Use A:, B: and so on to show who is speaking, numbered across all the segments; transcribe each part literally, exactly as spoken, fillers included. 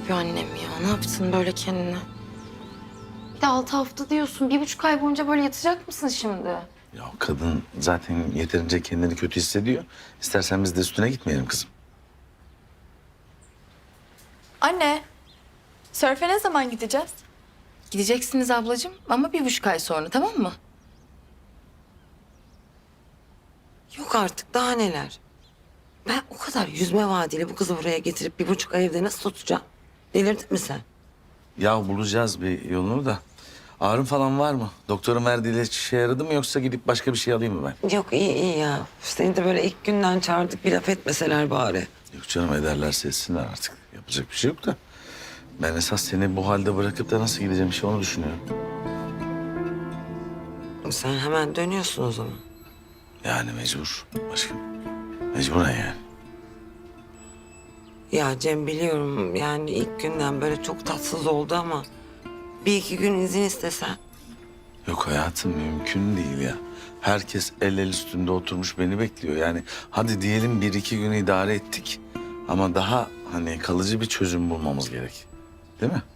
A: yapıyor annem ya? Ne yaptın böyle kendine? Bir de altı hafta diyorsun. Bir buçuk ay boyunca böyle yatacak mısın şimdi?
B: Ya kadın zaten yeterince kendini kötü hissediyor. İstersen biz de üstüne gitmeyelim kızım.
C: Anne, sörfe ne zaman gideceğiz?
A: Gideceksiniz ablacığım ama bir buçuk ay sonra, tamam mı?
D: Yok artık daha neler. Ben o kadar yüzme vaadiyle bu kızı buraya getirip bir buçuk ay evde nasıl tutacağım? Delirdin mi sen?
B: Ya bulacağız bir yolunu da. Ağrın falan var mı? Doktorun verdiği ilaç işe yaradı mı yoksa gidip başka bir şey alayım mı ben?
D: Yok iyi iyi ya. Seni de böyle ilk günden çağırdık bir laf etmeseler bari.
B: Yok canım ederlerse etsinler artık. Yapacak bir şey yok da. Ben esas seni bu halde bırakıp da nasıl gideceğim işte onu düşünüyorum.
D: Sen hemen dönüyorsun o zaman.
B: Yani mecbur aşkım. Mecburen yani.
D: Ya Cem biliyorum yani ilk günden böyle çok tatsız oldu ama... ...bir iki gün izin istesen.
B: Yok hayatım mümkün değil ya. Herkes el el üstünde oturmuş beni bekliyor. Yani hadi diyelim bir iki gün idare ettik. Ama daha hani kalıcı bir çözüm bulmamız gerek. Değil mi?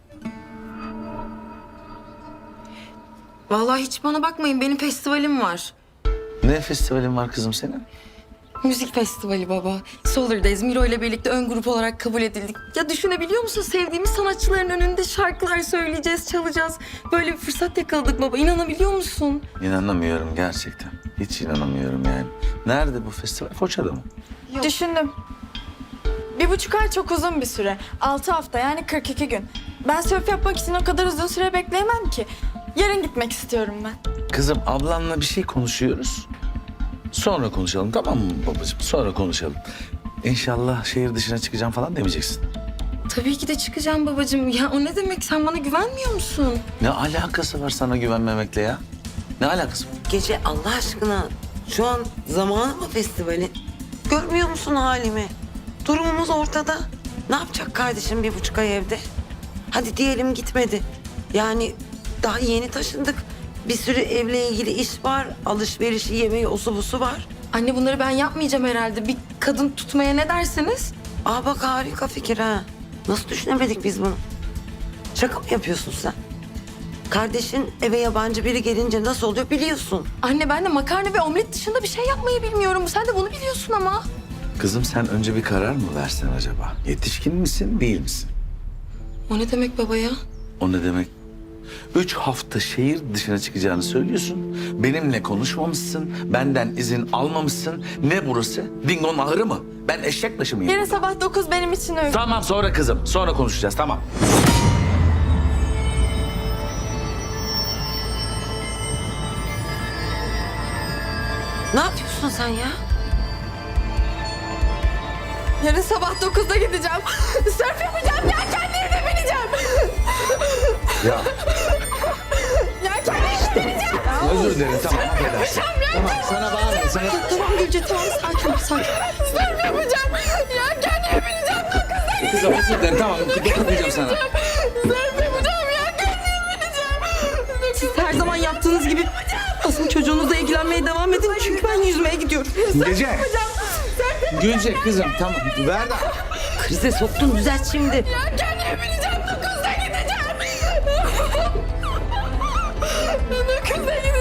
A: Vallahi hiç bana bakmayın. Benim festivalim var.
B: Ne festivalin var kızım senin?
A: Müzik festivali baba. Solar'dayız. Miro ile birlikte ön grup olarak kabul edildik. Ya düşünebiliyor musun? Sevdiğimiz sanatçıların önünde şarkılar söyleyeceğiz, çalacağız. Böyle bir fırsat yakaladık baba. İnanabiliyor musun?
B: İnanamıyorum gerçekten. Hiç inanamıyorum yani. Nerede bu festival? Foça'da mı?
A: Yok.
C: Düşündüm. Bir buçuk ay çok uzun bir süre. Altı hafta yani kırk iki gün. Ben sörf yapmak için o kadar uzun süre bekleyemem ki. Yarın gitmek istiyorum ben.
B: Kızım ablanla bir şey konuşuyoruz. Sonra konuşalım tamam mı babacığım? Sonra konuşalım. İnşallah şehir dışına çıkacağım falan demeyeceksin.
A: Tabii ki de çıkacağım babacığım. Ya o ne demek? Sen bana güvenmiyor musun?
B: Ne alakası var sana güvenmemekle ya? Ne alakası var?
D: Gece Allah aşkına şu an zamanı mı festivalin? Görmüyor musun halimi? Durumumuz ortada. Ne yapacak kardeşim bir buçuk ay evde? Hadi diyelim gitmedi. Yani daha yeni taşındık. Bir sürü evle ilgili iş var. Alışverişi, yemeği, osu busu var.
A: Anne bunları ben yapmayacağım herhalde. Bir kadın tutmaya ne dersiniz?
D: Aa bak harika fikir ha. Nasıl düşünemedik biz bunu? Şaka mı yapıyorsun sen? Kardeşin eve yabancı biri gelince nasıl oluyor biliyorsun.
A: Anne ben de makarna ve omlet dışında bir şey yapmayı bilmiyorum. Sen de bunu biliyorsun ama.
B: Kızım sen önce bir karar mı versen acaba? Yetişkin misin, değil misin?
A: O ne demek baba ya?
B: O ne demek? Üç hafta şehir dışına çıkacağını söylüyorsun. Benimle konuşmamışsın, benden izin almamışsın. Ne burası? Dingo'nun ahırı mı? Ben eşek başı mıyım?
C: Yarın sabah dokuz benim için uygun.
B: Tamam sonra kızım, sonra konuşacağız tamam.
D: Ne yapıyorsun sen ya?
C: Yarın sabah dokuzda gideceğim. Sörf yapacağım, yelkenlerine bineceğim.
B: Ya
C: Yelkenlerine bineceğim.
B: özür dilerim tamam affedersin. Tamam sana bağırma sana.
A: Tamam Gülce tamam sakin ol sakin.
C: Sörf yapacağım. Yelkenlerine bineceğim. Dokuzda gideceğim.
B: Kızım özür dilerim tamam dokunmayacağım sana.
C: Sörf yapacağım, yelkenlerine bineceğim.
A: Siz her zaman yaptığınız gibi asıl çocuğunuzla ilgilenmeye devam edin. Çünkü ben yüzmeye gidiyorum.
B: Gece. Gülce kızım tamam ver de.
D: Krize soktun düzelt şimdi.
C: Yelkenlerine bineceğim. Dokuzda gideceğim. Dokuzda gideceğim.